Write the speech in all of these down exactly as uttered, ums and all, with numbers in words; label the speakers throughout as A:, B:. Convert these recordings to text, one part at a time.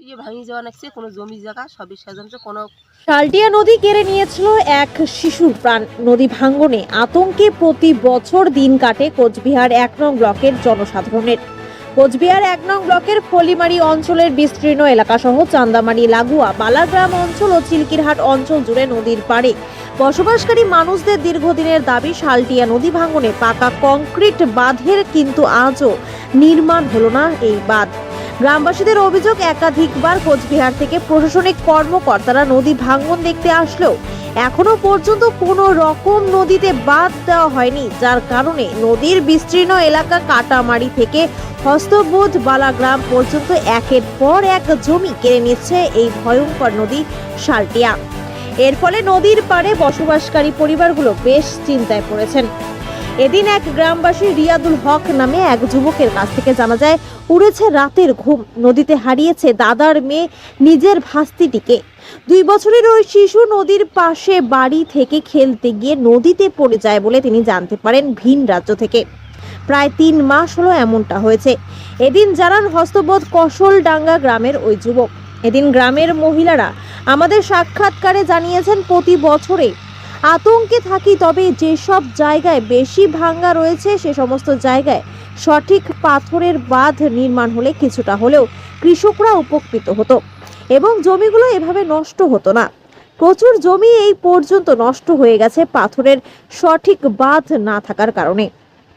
A: ইয়ে ভাঙি যাওয়া নাকছে কোনো জমি জায়গা সবই সাজানো কোনো।
B: শালটিয়া নদী কেড়ে নিয়েছিল এক শিশুর প্রাণ। নদী ভাঙ্গনে আতঙ্কে প্রতি বছর দিন কাটে কোচবিহার এক নং ব্লকের জনসাধারণের। কোচবিহার এক নং ব্লকের ফলিমারি অঞ্চলের বিস্তীর্ণ এলাকাসহ চান্দামারি, লাগোয়া, বালাগ্রাম অঞ্চল ও চিলকিরহাট অঞ্চল জুড়ে নদীর পাড়ে বসবাসকারী মানুষদের দীর্ঘদিনের দাবি শালটিয়া নদী ভাঙ্গনে পাকা কংক্রিট বাঁধের, কিন্তু আজও নির্মাণ হলো না এই বাঁধ। গ্রামবাসীদের অভিযোগ, একাধিকবার কোচবিহার থেকে প্রশাসনিক কর্মকর্তারা নদী ভাঙ্গন দেখতে আসলেও এখনো পর্যন্ত কোনো রকম নদীতে বাঁধ দেওয়া হয়নি, যার কারণে নদীর বিস্তীর্ণ এলাকা কাটামারি থেকে হস্তবোধ বালাগ্রাম পর্যন্ত একের পর এক জমি কেড়ে নিচ্ছে এই ভয়ঙ্কর নদী শালটিয়া। এর ফলে নদীর পাড়ে বসবাসকারী পরিবারগুলো বেশ চিন্তায় পড়েছেন। এদিন এক গ্রামবাসী রিয়াদুল হক নামে এক যুবকের কাছ থেকে জানা যায়, উড়েছে রাতের ঘুম, নদীতে হারিয়েছে দাদার মেয়ে নিজের ভাস্তিটিকে। দুই বছরের ওই শিশু নদীর পাশে বাড়ি থেকে খেলতে গিয়ে নদীতে পড়ে যায় বলে তিনি জানতে পারেন ভিন রাজ্য থেকে। প্রায় তিন মাস হলো এমনটা হয়েছে। এদিন জানান হস্তবোধ কসলডাঙ্গা গ্রামের ওই যুবক। এদিন গ্রামের মহিলারা আমাদের সাক্ষাৎকারে জানিয়েছেন, প্রতি বছরে আতঙ্কে থাকি, তবে যেসব জায়গায় বেশি ভাঙ্গা রয়েছে সে সমস্ত জায়গায় সঠিক পাথরের বাঁধ নির্মাণ হলে কিছুটা হলেও কৃষকরা উপকৃত হতো এবং জমিগুলো এভাবে নষ্ট হতো না। প্রচুর জমি এই পর্যন্ত নষ্ট হয়ে গেছে পাথরের সঠিক বাঁধ না থাকার কারণে।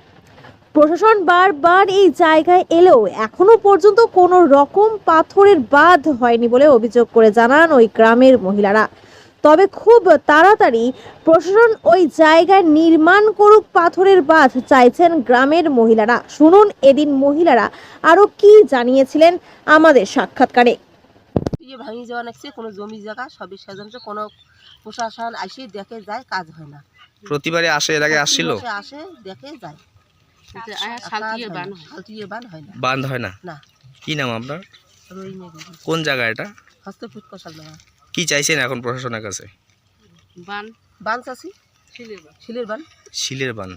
B: প্রশাসন বারবার এই জায়গায় এলেও এখনো পর্যন্ত কোনো রকম পাথরের বাঁধ হয়নি বলে অভিযোগ করে জানান ওই গ্রামের মহিলারা। তবে খুব তাড়াতাড়ি প্রশাসন ওই জায়গায় নির্মাণ করুক পাথরের বাঁধ চাইছেন গ্রামের মহিলারা। শুনুন এদিন মহিলারা আরো কি জানিয়েছিলেন আমাদের সাক্ষাৎকারে।
A: ইয়ে ভাঙি যাওয়া নাকছে কোনো জমি জায়গা সবই সাজানো কোনো প্রশাসন আসে দেখে যায়, কাজ হয় না।
C: প্রতিবারে আসে, এর আগে আসছিল?
A: প্রতি মাসে আসে দেখে যায়, কিন্তু শালটিয়ে বান শালটিয়ে বান হয় না।
C: বান্ধ হয় না?
A: না।
C: কি নাম আপনার?
A: রইমে দিদি।
C: কোন জায়গা এটা?
A: হস্তপুত কষাল না।
C: কি চাইছেন এখন প্রশাসনের কাছে?
A: বান বান চাষি শিলের বান শিলের বান
C: শিলের বান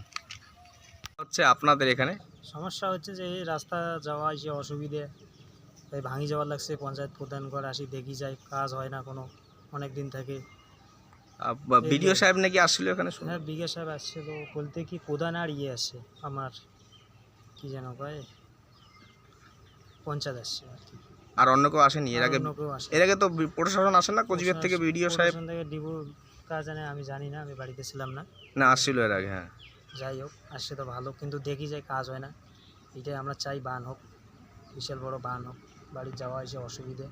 C: হচ্ছে আপনাদের এখানে
D: সমস্যা হচ্ছে যে এই রাস্তা যাওয়া আসে অসুবিধে, তাই ভাঙি যাওয়ার লাগছে। পঞ্চায়েত প্রধান করে আসি, দেখি যাই, কাজ হয় না কোনো, অনেক দিন থেকে।
C: বিডিও সাহেব নাকি আসছিল এখানে?
D: হ্যাঁ, বিঘে সাহেব আসছিল বলতে কি প্রধান আর ইয়ে আসছে আমার কি যেন কয় পঞ্চায়েত আসছে আর কি।
C: আর অন্য কেউ আসেনি এর আগে?
D: অন্য কেউ আসে।
C: এর আগে তো প্রশাসন আসে না কোচবিহার থেকে? বিডিও সাহেব
D: থেকে ডিবু কাজ জানে আমি জানি না, আমি বাড়িতে ছিলাম না।
C: না আসছিল এর আগে? হ্যাঁ,
D: যাই হোক, আসছে তো ভালো, কিন্তু দেখি যাই কাজ হয় না। এটাই আমরা চাই, বান হোক, বিশাল বড় বান হোক, বাড়ি যাওয়া আসে অসুবিধে।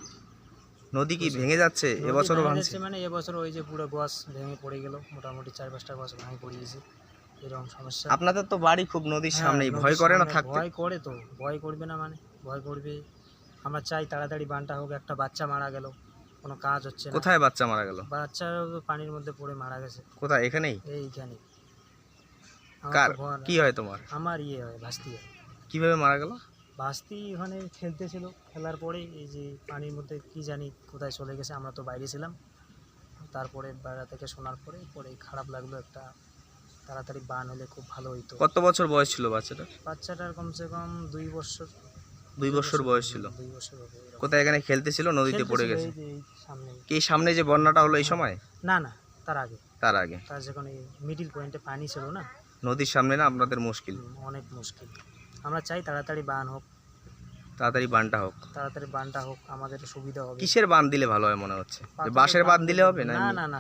C: নদী কি ভেঙে যাচ্ছে এবছরও? ভাঙছে
D: মানে এবছর ওই যে পুরো গাছ ভেঙে পড়ে গেল, মোটামুটি চার পাঁচটা গাছ ভেঙে পড়ে গেছে, এরকম সমস্যা।
C: আপনাদের তো বাড়ি খুব নদীর
D: হ্যাঁ,
C: সামনেই,
D: নদীর
C: ভয় করে না
D: সামনে
C: থাকতে?
D: ভয় করে তো, ভয় করবে না মানে ভয় করবে। আমরা চাই তাড়াতাড়ি বানটা হোক। একটা বাচ্চা মারা গেল, কোনো কাজ হচ্ছে না।
C: কোথায় বাচ্চা মারা গেল?
D: বাচ্চা পানির মধ্যে পড়ে মারা গেছে।
C: কোথায়? এখানেই?
D: এইখানে। আমার
C: কার
D: তো ভয় না।
C: কি হয় তোমার?
D: আমার ইয়ে হয়, ভাস্তি হয়।
C: কিভাবে মারা গেল?
D: ভাস্তি ওখানে খেলতেছিল, খেলার পরে এই যে পানির মধ্যে কি জানি কোথায় চলে গেছে, আমরা তো বাইরে ছিলাম। তারপরে বাইরে থেকে শোনার পরে পরে খারাপ লাগলো। একটা তাড়াতাড়ি বান হলে খুব ভালো হইতো।
C: কত বছর বয়স ছিল বাচ্চাটার?
D: বাচ্চাটার কমসে কম দুই বছর।
C: দুই বছর বয়স ছিল?
D: দুই বছর হবে এরকম।
C: কোথায়? এখানে খেলতেছিল, নদীতে পড়ে
D: খেলতেছিল
C: গেছে?
D: এই যে এই সামনে।
C: কি সামনে যে বন্যাটা হলো এই সময়?
D: না না, তার আগে।
C: তার আগে?
D: তার যখন এই মিডিল পয়েন্টে পানি ছিল না,
C: নদীর সামনে না আপনাদের মুশকিল?
D: হুম, অনেক মুশকিল। আমরা চাই তাড়াতাড়ি বান হোক,
C: তাড়াতাড়ি বানটা হোক।
D: তাড়াতাড়ি বানটা হোক, আমাদের সুবিধা হবে।
C: কিসের বান দিলে ভালো হয় মনে হচ্ছে? যে বাঁশের বাঁধ দিলে হবে না?
D: না না না